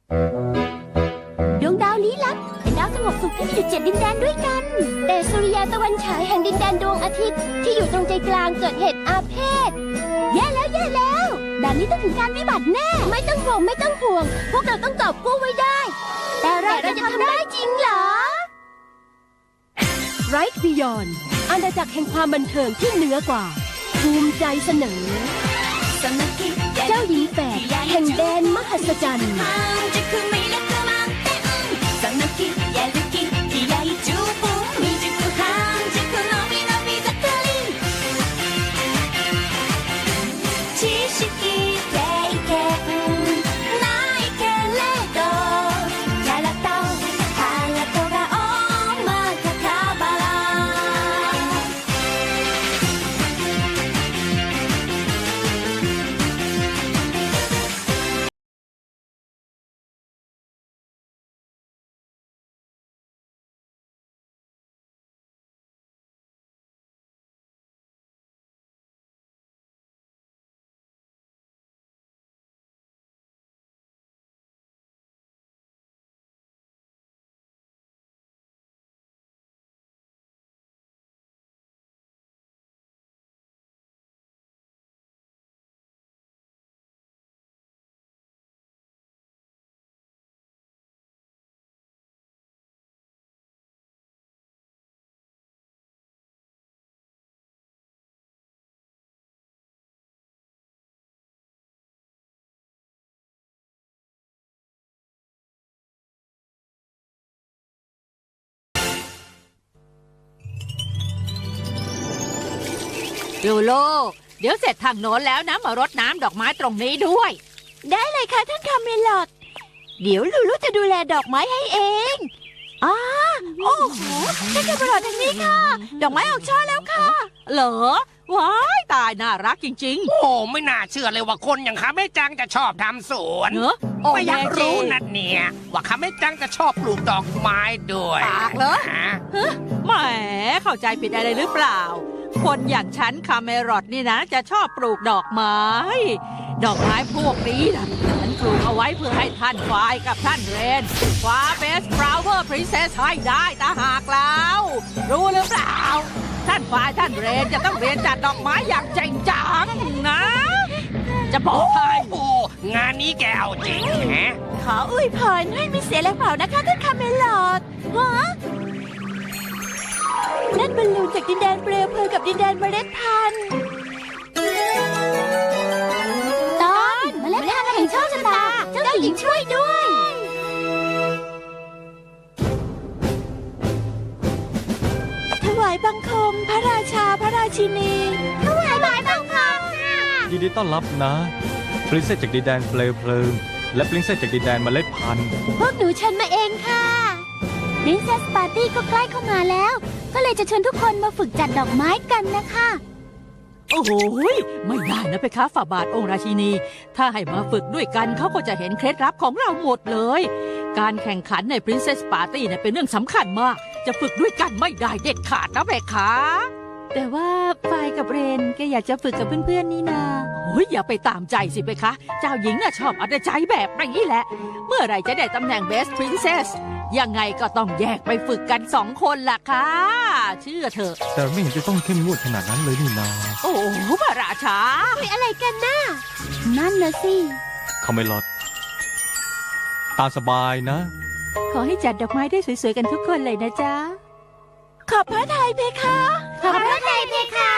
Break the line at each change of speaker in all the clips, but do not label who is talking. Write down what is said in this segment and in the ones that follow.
ดวงดาวลี้ลับเป็นดาวสงบสุขที่มีอยู่7 ดินแดนด้วยกันแต่สุริยะตะวันฉายแห่งดินแดนดวงอาทิตย์ที่อยู่ตรงใจกลางเกิดเหตุอาเพศแย่แล้วแบบนี้ต้องถึงการวิบัติแน่ไม่ต้องห่วงพวกเราต้องกอบกู้ไว้ได้แต่เราจะทำได้จริงเหรอ Right Beyond อาณาจักรแห่งความบันเทิงที่เหนือกว่าภูมิใจเสนอเจ้าหญิงแฝดแห่งแดนมหัศจรรย์
ลูโลเดี๋ยวเสร็จทางโน้นแล้วนะมารดน้ำดอกไม้ตรงนี้ด้วย
ได้เลยค่ะท่านคาเมลอดเดี๋ยวลูลูจะดูแลดอกไม้ให้เองโอ้โหท่านคาเมลอดทางนี้ค่ะดอกไม้ออกช่อแล้วค่ะ
เหรอว้ายตายน่ารักจริงๆ
โอ้ไม่น่าเชื่อเลยว่าคนอย่างข้าแม่จังจะชอบทำสวนไม่อยากรู้นะเนี่ยว่าข้าแม่จังจะชอบปลูกดอกไม้ด้วย
ปากเหรอแหมเข้าใจผิดอะไรหรือเปล่าคนอย่างฉันคาเมรอดนี่นะจะชอบปลูกดอกไม้ดอกไม้พวกนี้นะฉันปลูกเอาไว้เพื่อให้ท่านฟายกับท่านเรนคว้าเบสฟลาวเวอร์พรินเซสให้ได้ตาหากแล้วรู้หรือเปล่าท่านฟายท่านเรนจะต้องเรียนจัดดอกไม้อย่างจริงจังนะจะบอกให้
โอ้งานนี้แกเอาจริงแฮะ
ขออวยพรให้มีเสียแรงเผานะคะท่านคาเมลอดนั่นบอลลูนจากดินแดนเปลวเพลิงกับดินแดนเมล็ดพันธุ์ตอนเมล็ดพันธุ์แห่งโชคชะตาเจ้าหญิงช่วยด้วยถวายบังคมพระราชาพระราชินีถวายบังคมค่ะ
ยินดีต้อนรับนะปรินเซสจากดินแดนเปลวเพลิงและปรินเซสจากดินแดนเมล็ดพันธุ์
พวกหนูเชิญมาเองค่ะปรินเซสปาร์ตี้ก็ใกล้เข้ามาแล้วก็เลยจะเชิญทุกคนมาฝึกจัดดอกไม้กันนะคะ
โอ้โหไม่ได้นะเพคะฝ่าบาทองค์ราชินีถ้าให้มาฝึกด้วยกันเขาก็จะเห็นเคล็ดลับของเราหมดเลยการแข่งขันใน Princess Party เนี่ยเป็นเรื่องสำคัญมากจะฝึกด้วยกันไม่ได้เด็ดขาดนะเพคะ
แต่ว่าฟายกับเรนก็อยากจะฝึกกับเพื่อนๆนี่นา
โอ้ยอย่าไปตามใจสิเพคะเจ้าหญิงน่ะชอบเอาแต่ใจแบบนี้แหละเมื่อไหร่จะได้ตำแหน่ง Best Princessยังไงก็ต้องแยกไปฝึกกัน2 คนล่ะค่ะเชื่อเถอะ
แต่ไม่เห็นจะต้องเข้มงวดขนาดนั้นเลยนี่นา
โอ้พระราชา
คุยอะไรกันน่ะนั่นนะสิ
เขาไม่ลดตามสบายนะ
ขอให้จัดดอกไม้ได้สวยๆกันทุกคนเลยนะจ๊ะขอบพระทัยเพคะขอบพระทัยเพคะ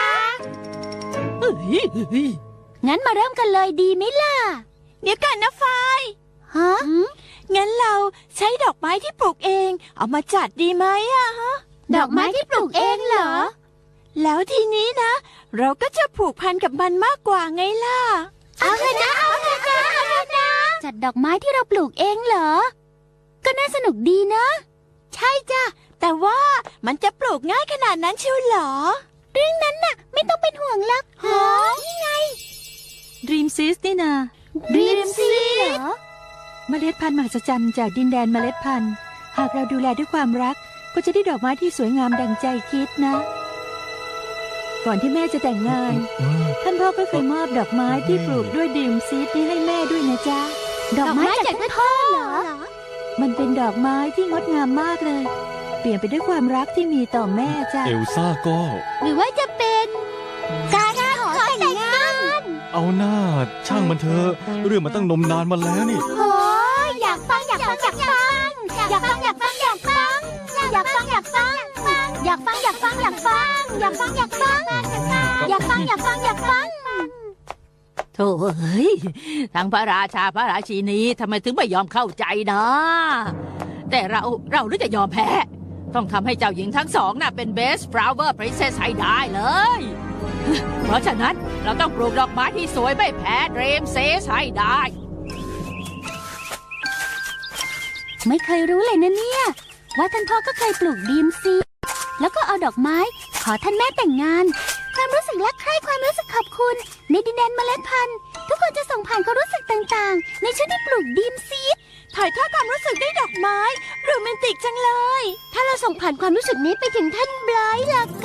งั้นมาเริ่มกันเลยดีไหมล่ะเดี๋ยวกันนะฟายฮะงั้นเราใช้ดอกไม้ที่ปลูกเองเอามาจัดดีไหมอะฮะดอกไม้ที่ปลูกเองเหรอแล้วทีนี้นะเราก็จะผูกพันกับมันมากกว่าไงล่ะเอาเถอะนะจัดดอกไม้ที่เราปลูกเองเหรอก็น่าสนุกดีนะใช่จ้ะแต่ว่ามันจะปลูกง่ายขนาดนั้นเชียวเหรอเรื่องนั้นน่ะไม่ต้องเป็นห่วงหรอกฮะนี่ไง
Dream Seeds นี่นา
Dream Seeds เหรอ
เมล็ดพันธุ์มหัศจรรย์จากดินแดนเมล็ดพันธุ์หากเราดูแลด้วยความรักก็จะได้ดอกไม้ที่สวยงามดังใจคิดนะก่อนที่แม่จะแต่งงานท่านพ่อก็เคยมอบดอกไม้ที่ปลูกด้วย Dream Seeds นี้ให้แม่ด้วยนะจ๊ะ
ดอกไม้จากท่านพ่อเหรอ
มันเป็นดอกไม้ที่งดงามมากเลย เปลี่ยนไปด้วยความรักที่มีต่อแม่จ้ะ
เอลซ่าก็
หรือว่าจะเป็นการขอแต่งงาน
เอาหน้าช่างมันเถอะเรื่องมันตั้งนมนานมาแล้วนี่
โอ้ยอยากฟังอยากฟังอยากฟังอยากฟังอยากฟังอยากฟังอยากฟังอยากฟังอยากฟังอยากฟังอยากฟังอยากฟังอยากฟังอยากฟังอยากฟังอยากฟัง
โถ่เฮ้ยทั้งพระราชาพระราชินีทำไมถึงไม่ยอมเข้าใจนะ แต่เราหรือจะยอมแพ้ ต้องทำให้เจ้าหญิงทั้งสองน่ะเป็น Best Flower Princess ให้ได้เลย เพราะฉะนั้นเราต้องปลูกดอกไม้ที่สวยไม่แพ้ Dream Sis ให้ได้
ไม่เคยรู้เลยนะเนี่ยว่าท่านพ่อก็เคยปลูกดีมซีแล้วก็เอาดอกไม้ขอท่านแม่แต่งงาน ความรู้สึกรักใคร่ความรู้สึกขอบคุณในดินแดนเมล็ดพันธุ์ทุกคนจะส่งผ่านความรู้สึกต่างๆในช่วงที่ปลูกดีมซีดถ่ายทอดความรู้สึกด้วยดอกไม้โรแมนติกจังเลย ถ้าเราส่งผ่านความรู้สึกนี้ไปถึงท่านไบรท์ล่ะก็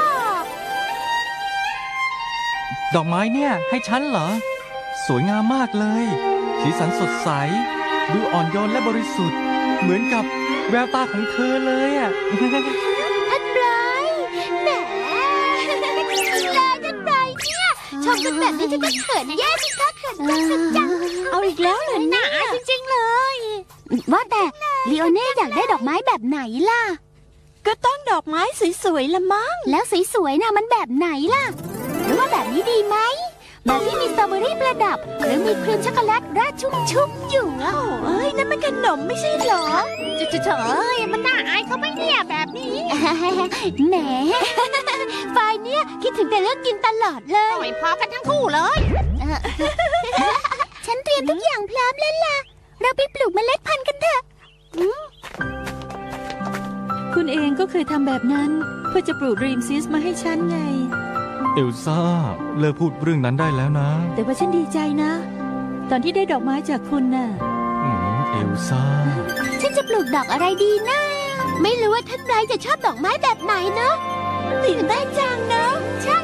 ดอกไม้เนี่ยให้ฉันเหรอ สวยงามมากเลย สีสันสดใส ดูอ่อนโยนและบริสุทธิ์ เหมือนกับแววตาของเธอเลยอ่ะ
ท่านไบรท์แหมท่านไบรท์เนี่ยชมกันแบบนี้จะเขินแย่สิคะเขินจังสุดจังเอาอีกแล้วเหรอเนี่ยจริงๆเลยว่าแต่ลีโอเน่อยากได้ดอกไม้แบบไหนล่ะก็ต้องดอกไม้สวยๆละมั้งแล้วสวยๆน่ะมันแบบไหนล่ะหรือว่าแบบนี้ดีไหมแบบที่มีสตรอเบอรี่ประดับหรือมีครีมช็อกโกแลตราดชุ่มๆอยู่อ่ะโอ้ยนั่นมันขนมไม่ใช่เหรอเฉยมันน่าอายเขาไหมเนี่ยแบบนี้แหมฝ่ายเนี้ยคิดถึงแต่เรื่องกินตลอดเลยไม่พอกันทั้งคู่เลยฉันเตรียมทุกอย่างพร้อมแล้วล่ะเราไปปลูกเมล็ดพันธุ์กันเถอะ
คุณเองก็เคยทำแบบนั้นเพื่อจะปลูก Dream Sis มาให้ฉันไง
เอลซ่าเลิกพูดเรื่องนั้นได้แล้วนะ
แต่ว่าฉันดีใจนะ ตอนที่ได้ดอกไม้จากคุณน่ะ
เอลซ่า
ฉันจะปลูกดอกอะไรดีนะ ไม่รู้ว่าท่านไบรท์จะชอบดอกไม้แบบไหนเนาะตื่นเต้นจังเนาะใช่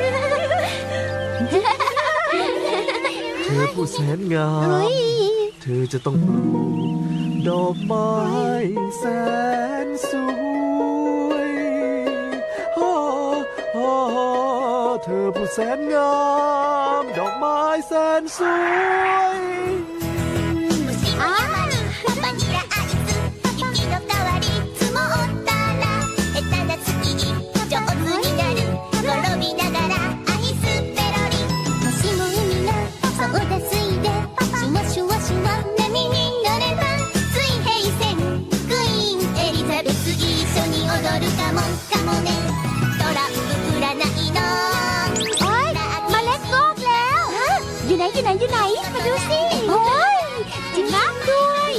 เธอผู้แสนงาม เธอจะต้องปลูกดอกไม้แสนสวยฮ่าฮ่าเธอผู้แสนงาม ดอกไม้แสนสวย
อ่าパパにはアイス雪の代わり積もったら下手な月に上手になる転びながらアイスペロリもしも海のソーダ水でシュワシュワシュワ波に乗れば水平線クイーンエリザベス一緒に踊るかもねトランプ占いのโอ๊ยเมล็ดงอกแล้วอยู่ไหนมาดูสิโอ๊ยจริงมากด้วย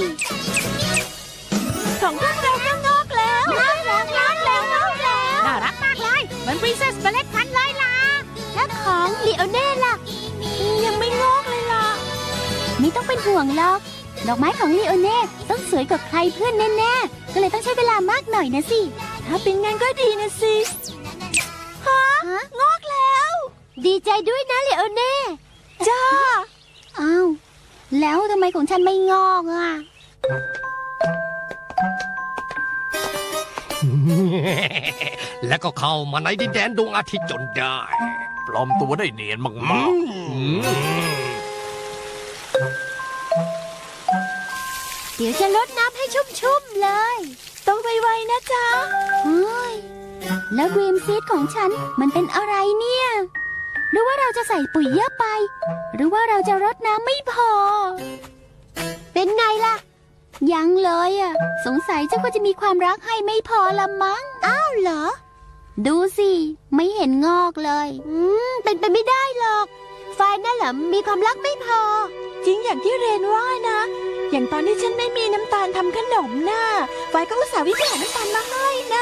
ของพวกเราก็งอกแล้วงอกแล้ว
น่ารักมากเลยเหมือน Princess เมล็ดพันธุ์เลยล่ะ
แล้วของลีโอเน่ล่ะยังไม่งอกเลยล่ะไม่ต้องเป็นห่วงหรอกดอกไม้ของลีโอเน่ต้องสวยกว่าใครเพื่อนแน่ๆก็เลยต้องใช้เวลามากหน่อยนะสิถ้าเป็นงั้นก็ดีนะสิฮะงอกแล้ว ดีใจด้วยนะลีโอเน่จ้าอ้าวแล้วทำไมของฉันไม่งอกอ่ะ
แล้วก็เข้ามาในดินแดนดวงอาทิตย์จนได้
ปลอมตัวได้เนียนมาก
เดี๋ยวจะลดน้ำให้ชุ่มๆเลย ต้องไวๆนะจ๊ะเฮ้ยแล้วดรีมซีดของฉันมันเป็นอะไรเนี่ย หรือว่าเราจะใส่ปุ๋ยเยอะไป หรือว่าเราจะรดน้ำไม่พอ เป็นไงล่ะ ยังเลยอ่ะ สงสัยเจ้าก็จะมีความรักให้ไม่พอละมั้ง อ้าวเหรอ ดูสิ ไม่เห็นงอกเลย เป็นไปไม่ได้หรอก ไฟนั่นแหละมีความรักไม่พอ จริงอย่างที่เรนว่านะ อย่างตอนที่ฉันไม่มีน้ำตาลทำขนมน่ะไฟก็อุตส่าห์วิจารณ์น้ำตาลมาให้น่ะ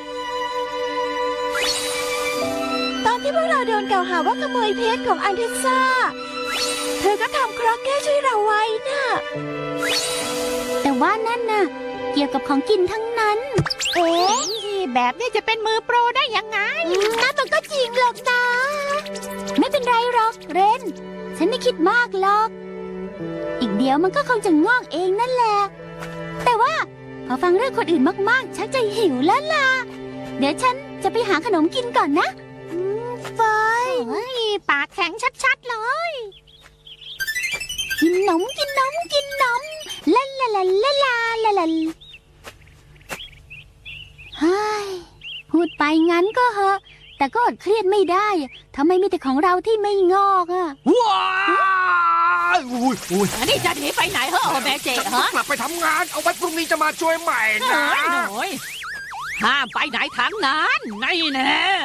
ตอนที่พวกเราโดนกล่าวหาว่าขโมยเพชรของอันเทซ่า เธอก็ทำเคราะห์แก้ช่วยเราไว้น่ะ แต่ว่านั่นน่ะ เกี่ยวกับของกินทั้งนั้น เอ๊ะ
แบบนี้จะเป็นมือโปรได้ยังไง
นั่นมันก็จริงหรอกนะ ไม่เป็นไรหรอกเรน ฉันไม่คิดมากหรอกอีกเดี๋ยวมันก็คงจะงอกเองนั่นแหละ แต่ว่าพอฟังเรื่องคนอื่นมากๆชักจะหิวแล้วล่ะ เดี๋ยวฉันจะไปหาขนมกินก่อนนะไฟปากแข็งชัดๆเลย กินนมกินนมกินนมลาลาลาลาลาลาลาเฮ้ยพูดไปงั้นก็เหอะ แต่ก็อดเครียดไม่ได้ทำไมมีแต่ของเราที่ไม่งอกอะ
ว้ายอุ้ย
อันนี้จะหนีไปไหนเหรอแม่เจ๊
จะ
ฮะ
กลับไปทำงาน เอาไว้พรุ่งนี้จะมาช่วยใหม่
ห
นะ
น่อยห้ามไปไหนทั้งนั้นนี่แน่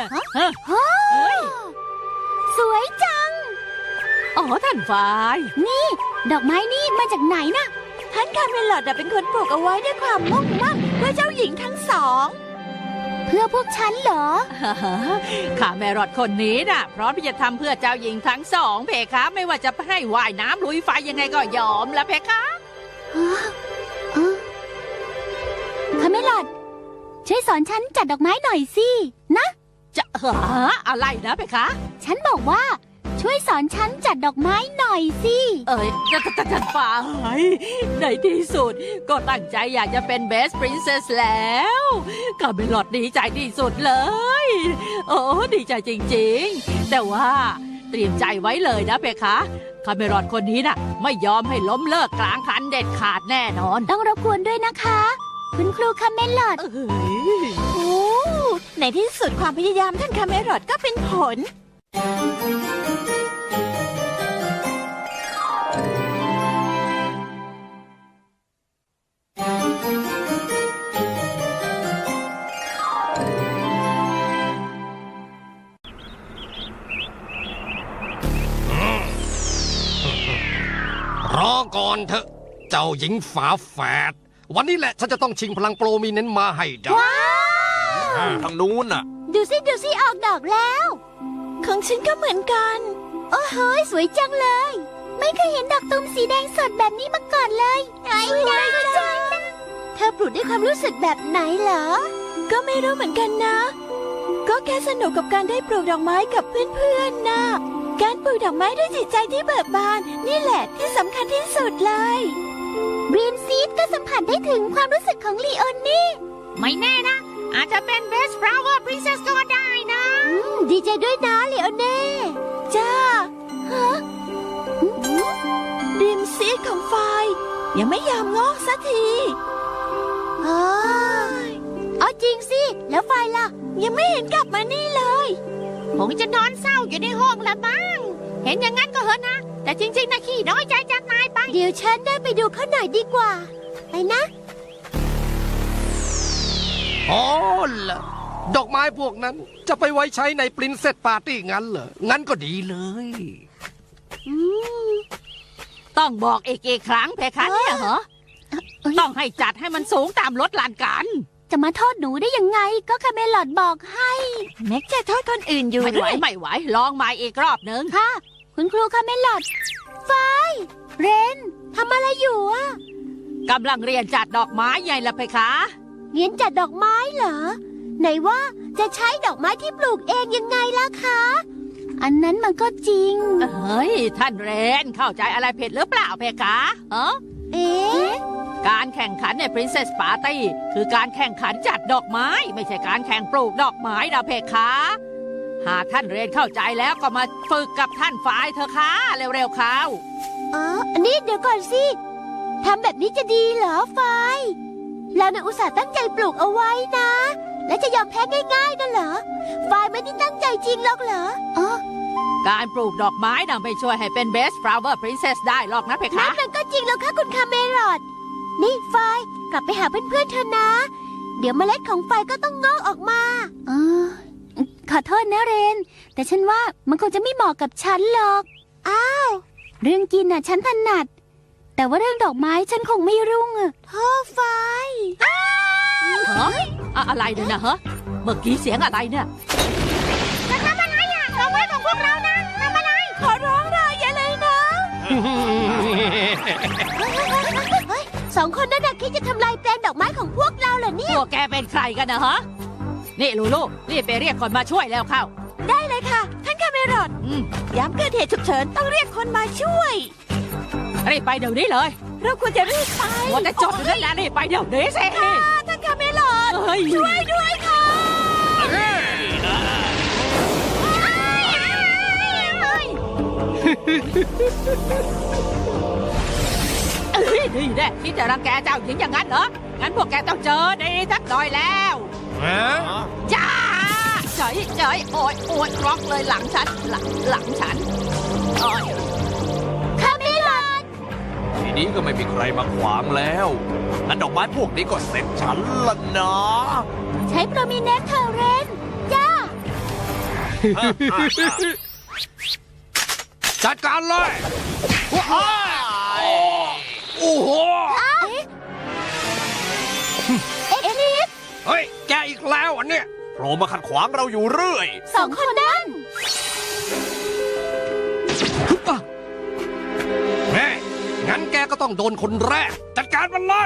สวยจัง
อ๋อท่านฝ่าย
ดอกไม้นี่มาจากไหนนะท่านคาเมลอดเป็นคนปลูกเอาไว้ด้วยความมุ่งมั่นเพื่อเจ้าหญิงทั้งสอง เพื่อพวกฉันเหรอ
ข้าแม่รอดคนนี้น่ะพร้อมที่จะทำเพื่อเจ้าหญิงทั้งสองเพคะไม่ว่าจะให้ว่ายน้ำลุยไฟยังไงก็ยอมละเพคะ
คาเมลอดช่วยสอนฉันจัดดอกไม้หน่อยสินะ
จะอะไรนะเพคะ
ฉันบอกว่าช่วยสอนฉันจัดดอกไม้หน่อยสิ
เอ้ยท่านฝ่ายในที่สุดก็ตั้งใจอยากจะเป็น Best Princess แล้วข้าเมลอดดีใจที่สุดเลย โอ้ดีใจจริงๆ แต่ว่าเตรียมใจไว้เลยนะเพคะคาเมรอดคนนี้น่ะไม่ยอมให้ล้มเลิกกลางคันเด็ดขาดแน่นอน
ต้องรบกวนด้วยนะคะ คุณครูคาเมลอด
เอ้ย
โอ้ในที่สุดความพยายามท่านคาเมรอดก็เป็นผล
รอก่อนเถอะ เจ้าหญิงฝาแฝด วันนี้แหละฉันจะต้องชิงพลังโปรมีเน้นมาให้ได้
ทางนู้นน่ะ
ดูสิออกดอกแล้ว ของฉันก็เหมือนกัน โอ้โหสวยจังเลย ไม่เคยเห็นดอกตูมสีแดงสดแบบนี้มาก่อนเลยสวยจังเธอปลูกด้วยความรู้สึกแบบไหนเหรอ ก็ไม่รู้เหมือนกันนะ ก็แค่สนุกกับการได้ปลูกดอกไม้กับเพื่อนๆนะการปลูกดอกไม้ด้วยจิตใจที่เบิกบานนี่แหละที่สำคัญที่สุดเลยบรีมซีดก็สัมผัสได้ถึงความรู้สึกของลีโอนี่
ไม่แน่นะ อาจจะเป็น Best Flower Princess ก็ได้นะ
ดีใจด้วยนะลีโอเน่จ้าฮะริมซีดของไฟยังไม่ยอมงอกสักทีเอาจริงสิ แล้วไฟล่ะ ยังไม่เห็นกลับมานี่เลยคงจะนอนเศร้าอยู่ในห้องละมั้งเห็นอย่างนั้นก็เหอะนะ แต่จริงๆนะขี้น้อยใจจังนายไป เดี๋ยวฉันได้ไปดูเขาหน่อยดีกว่า ไปนะ
อ๋อล่ะดอกไม้พวกนั้นจะไปไว้ใช้ในปรินเซสปาร์ตี้งั้นเหรอ งั้นก็ดีเลย
ต้องบอกอีกครั้งเพคะเนี่ยเหรอ ต้องให้จัดให้มันสูงตามลดลานกัน
จะมาโทษหนูได้ยังไง ก็คาเมลอดบอกให้แม็กจะโทษคนอื่นอยู่
ไม่ไหวลองใหม่อีกรอบหนึ่ง
ค่ะ คุณครูคาเมลอดไฟเรนทำอะไรอยู่อะ
กำลังเรียนจัดดอกไม้ใหญ่ละเพคะ
เรียนจัดดอกไม้เหรอ ไหนว่าจะใช้ดอกไม้ที่ปลูกเองยังไงล่ะคะ อันนั้นมันก็จริง
เฮ้ย ท่านเรนเข้าใจอะไรผิดหรือเปล่าเพคะฮะ
เอ๊ะ
การแข่งขันใน Princess Party คือการแข่งขันจัดดอกไม้ ไม่ใช่การแข่งปลูกดอกไม้นะเพคะ หากท่านเรนเข้าใจแล้วก็มาฝึกกับท่านฝ่ายเถอะค่ะเร็วๆเข้า
อ๋ออันนี้เดี๋ยวก่อนสิทำแบบนี้จะดีเหรอไฟเราเนี่ยอุตส่าห์ตั้งใจปลูกเอาไว้นะ และจะยอมแพ้ง่ายๆนั่นเหรอไฟไม่ได้ตั้งใจจริงหรอกเหรออ๋อ
การปลูกดอกไม้น่ะไม่ช่วยให้เป็น Best Flower Princess ได้หรอกนะเพ
นั่
คะ
นมันก็จริงแล้วค่ะคุณคาเมรอดนี่ไฟกลับไปหาเพื่อนๆเธอนะ เดี๋ยวเมล็ดของไฟก็ต้องงอกออกมาขอโทษนะเรน แต่ฉันว่ามันคงจะไม่เหมาะกับฉันหรอก อ้าว เรื่องกินน่ะฉันถนัด แต่ว่าเรื่องดอกไม้ฉันคงไม่รุ่งอะโทษไฟ
ฮะอะไรเนี่ยนะฮะ เมื่อกี้เสียงอะไรเนี่ย
จะทำอะไรอ่ะดอกไม้ของพวกเรานะทำอะไร ขอร้องเราอย่าเลยนะสองคนนั้นคิดจะทำลายแปลงดอกไม้ของพวกเราเหรอเนี่ย
พวกแกเป็นใครกันนะฮะ นี่ลูลูรีบไปเรียกคนมาช่วยแล้วเข้า
ได้เลยค่ะ ท่านคาเมรอด
อืม
ย้ำเกิดเหตุฉุกเฉินต้องเรียกคนมาช่วย
รีบไปเดี๋ยวนี้เลย
เราควรจะรีบไป
ว่าจะจดอยู่นั่นแหละรีบไปเดี๋ยวนี้สิ
ท่านคาเมลอด
เฮ้ย
ช่วยด้วยค่ะ
นี่แน่ที่จะรังแกเจ้าหญิงอย่างนั้นเหรอ งั้นพวกแกต้องเจอดีสักหน่อยแล้วจ้าเฉยโอยร็อกเลยหลังฉัน หลังฉันโอ้ย
คาเมลอด
ทีนี้ก็ไม่มีใครมาขวางแล้วงั้นดอกไม้พวกนี้ก็เสร็จฉันละนะ
ใช้โปรมิเนนเทอร์เรนจ้า
จัดการเลยว้าวโอ้โห
เอ็กลิฟ
เฮ้ย แกอีกแล้วอันเนี้ย
โผล่มาขัดขวางเราอยู่เรื่อย
สองคนนั้น
แม่งั้นแกก็ต้องโดนคนแรก จัดการมันเลย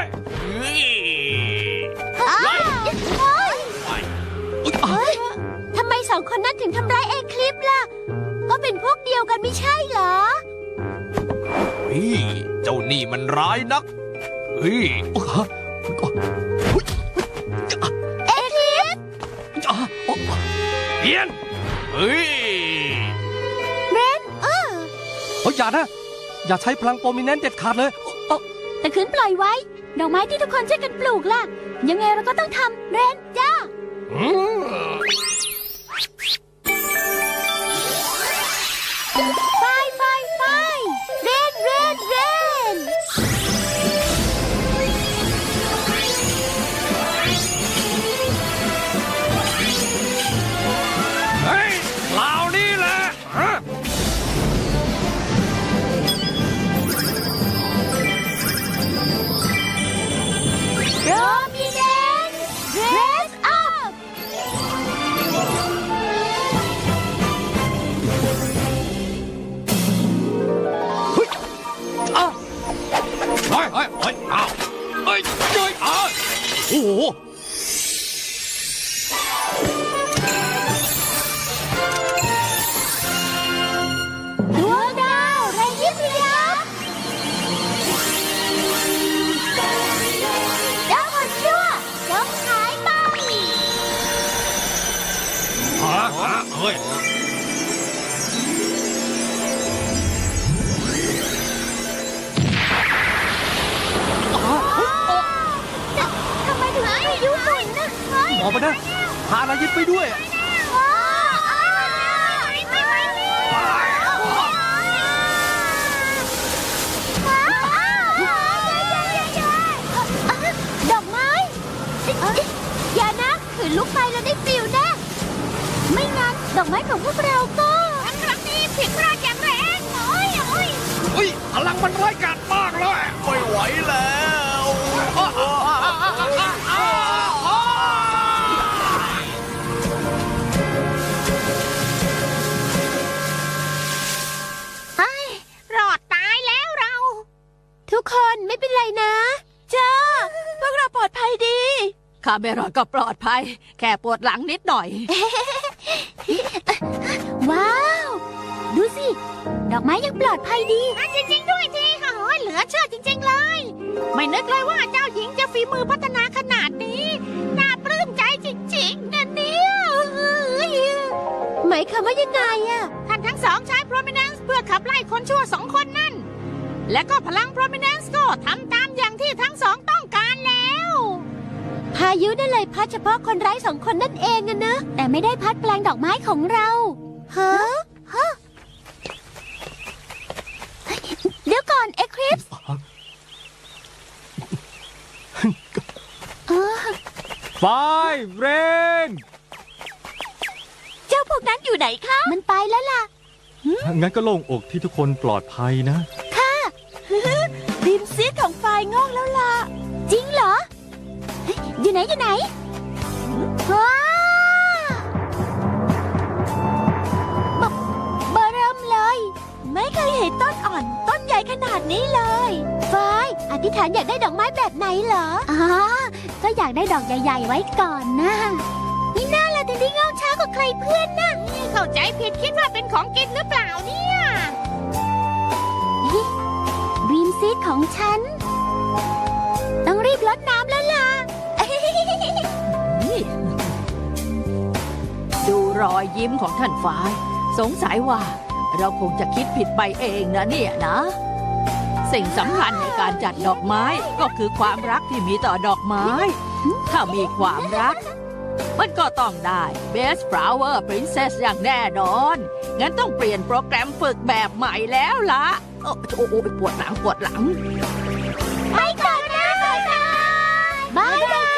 เฮ้ยทำไมสองคนนั้นถึงทำร้ายเอ็กลิฟล่ะ ก็เป็นพวกเดียวกันไม่ใช่เหรอ
เฮ้ยเจ้านี่มันร้ายนัก เฮ้ย
เอ็กลิฟ
เพียน
เฮ้ย
เรน
เฮ้ยอย่านะ อย่าใช้พลังโปรมิเนนต์เด็ดขาดเลย
แต่คืนปล่อยไว้ ดอกไม้ที่ทุกคนช่วยกันปลูกล่ะ ยังไงเราก็ต้องทำเรนจ้า ไฟเรน
เฮ้ยเหล่านี้แหละฮะ
โรมิเนนเรสอัพ
เฮ้ยอ้าวเฮ้ยอ้าวโอ้โห
ดวงดาวไรยิบยับดาวคนชั่วจงหายไป
เฮ้ย
ทำไมถึงไม่ยุบฝุ่นนะเฮ้ย
ออกมานะพานายิดไปด้วย
ดอกไม้อย่านะขืนลุกไปแล้วได้ฟิวแน่ไม่งั้นดอกไม้ของพวกเราก็ครั้งนี้ผิดพลาดอย่างแรงโอ้ย
เฮ้ยพลังมันร้ายกาจมากเลย
ไม่ไหวแล้ว
รอดตายแล้วเรา ทุกคนไม่เป็นไรนะจ้าพวกเราปลอดภัยดี
คาเมรอนก็ปลอดภัย แค่ปวดหลังนิดหน่อย
ว้าว ดูสิ ดอกไม้ยังปลอดภัยดีจริงๆด้วยทีค่ะเหลือเชื่อจริงๆเลย ไม่นึกเลยว่าเจ้าหญิงจะฝีมือพัฒนาขนาดนี้ น่าปลื้มใจจริงๆนะเนี่ยหมายความว่ายังไงอะท่านทั้งสองใช้ Prominence เพื่อขับไล่คนชั่วสองคนนั่น และก็พลัง Prominence ก็ทำตามอย่างที่ทั้งสองต้องการแล้ว พายุนั่นเลยพัดเฉพาะคนไร้สองคนนั่นเองอะนะ แต่ไม่ได้พัดแปลงดอกไม้ของเราฮะเดี๋ยวก่อนเอ็กคลิปส์
ไฟเรน
เจ้าพวกนั้นอยู่ไหนคะ มันไปแล้วล่ะ
งั้นก็โล่งอกที่ทุกคนปลอดภัยนะ
ริมซีดของไฟงอกแล้วล่ะ จริงเหรอ อยู่ไหนว้าเบอร์เริ่มเลย ไม่เคยเห็นต้นอ่อนต้นใหญ่ขนาดนี้เลยไฟอธิษฐานอยากได้ดอกไม้แบบไหนเหรอก็อยากได้ดอกใหญ่ๆไว้ก่อนนะนี่น่าละถึงได้งอกช้ากว่าใครเพื่อนนะเข้าใจผิดคิดว่าเป็นของกินหรือเปล่าเนี่ยริมซีดของฉัน ต้องรีบรดน้ำแล้วล่ะ
นี่ดูรอยยิ้มของท่านฟ้ายสงสัยว่าเราคงจะคิดผิดไปเองนะเนี่ยนะ สิ่งสำคัญในการจัดดอกไม้ก็คือความรักที่มีต่อดอกไม้ ถ้ามีความรัก มันก็ต้องได้ Best Flower Princess อย่างแน่นอน งั้นต้องเปลี่ยนโปรแกรมฝึกแบบใหม่แล้วล่ะ โอ้โหปวดหลังปวดหลัง
ไปก่อนนะบายบายบายบาย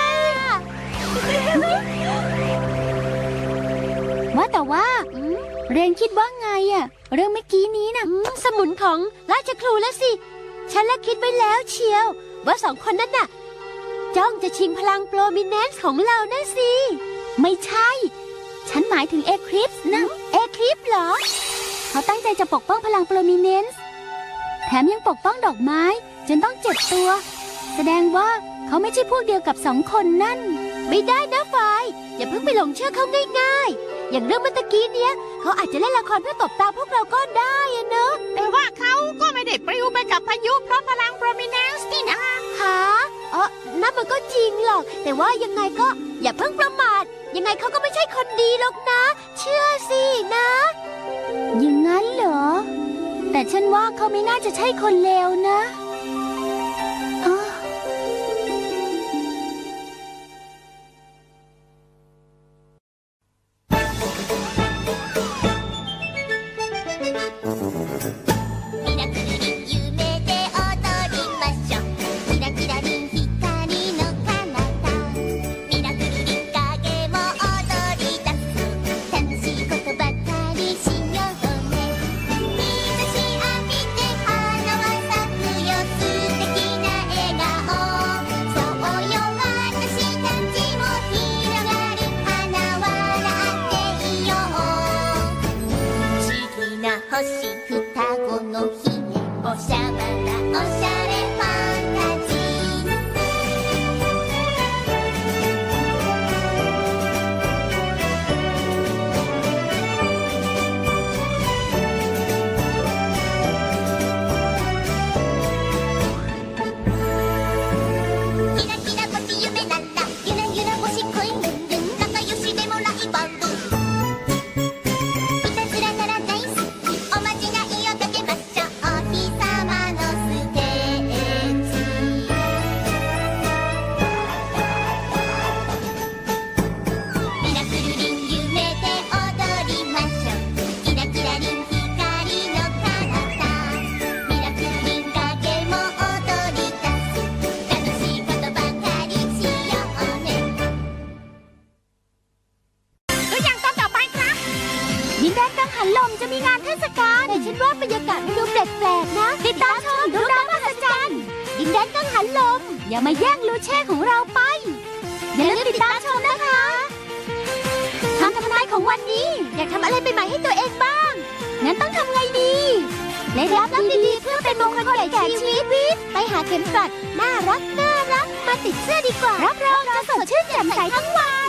ว่าแต่ว่าเรนคิดว่าไงอะเรื่องเมื่อกี้นี้นะสมุนของราชครูแล้วสิ ฉันละคิดไว้แล้วเชียว ว่าสองคนนั้นน่ะจ้องจะชิงพลังโปรมิเนนซ์ของเรานะสิ ไม่ใช่ ฉันหมายถึงเอคลิปส์นะเอคลิปส์เหรอ เขาตั้งใจจะปกป้องพลังโปรมิเนนซ์แถมยังปกป้องดอกไม้จนต้องเจ็บตัว แสดงว่าเขาไม่ใช่พวกเดียวกับสองคนนั่น ไม่ได้นะฟายอย่าเพิ่งไปหลงเชื่อเขาง่ายๆ อย่างเรื่องเมื่อตะกี้เนี้ยเขาอาจจะเล่นละครเพื่อตบตาพวกเราก็ได้อะเนอะแต่ว่าเขาก็ไม่ได้ปลิวไปกับพายุเพราะพลังโปรมิเนนซ์นี่นะหานั่นมันก็จริงหรอก แต่ว่ายังไงก็อย่าเพิ่งประมาท ยังไงเขาก็ไม่ใช่คนดีหรอกนะ เชื่อสินะอย่างนั้นเหรอ แต่ฉันว่าเขาไม่น่าจะใช่คนเลวนะ
星双子の姫おしゃばらおしゃれファンタジーキラキラ星夢なんだゆらゆら星恋ルンルン仲良しでもライバルいたずらなら大好きおまじないをかけましょうお日様のステージミラクルリン夢で踊りましょうキラキラリン光の彼方ミラクルリン影も踊り出す楽しいことばかりしようねตัวอย่างตอนต่อไปครับดินแดนกังหันลมจะมีงานเทศกาลแต่ฉันว่าบรรยากาศมันดูแปลกๆนะติดตามชมดูดาวมหัศจรรย์ดินแดนกังหันลมอย่ามาแย่งลูเช่ของเราไปอย่าลืมติดตามชมนะคะคำทำนายของวันนี้อยากทำอะไรใหม่ๆให้ตัวเองบ้างงั้นต้องทำไงดีได้รับดีๆเพื่อเป็นมงคลแก่ชีวิตไปหาเข็มกลัดน่ารักมาติดเสื้อดีกว่ารับรองจะสดชื่นแจ่มใสทั้งวัน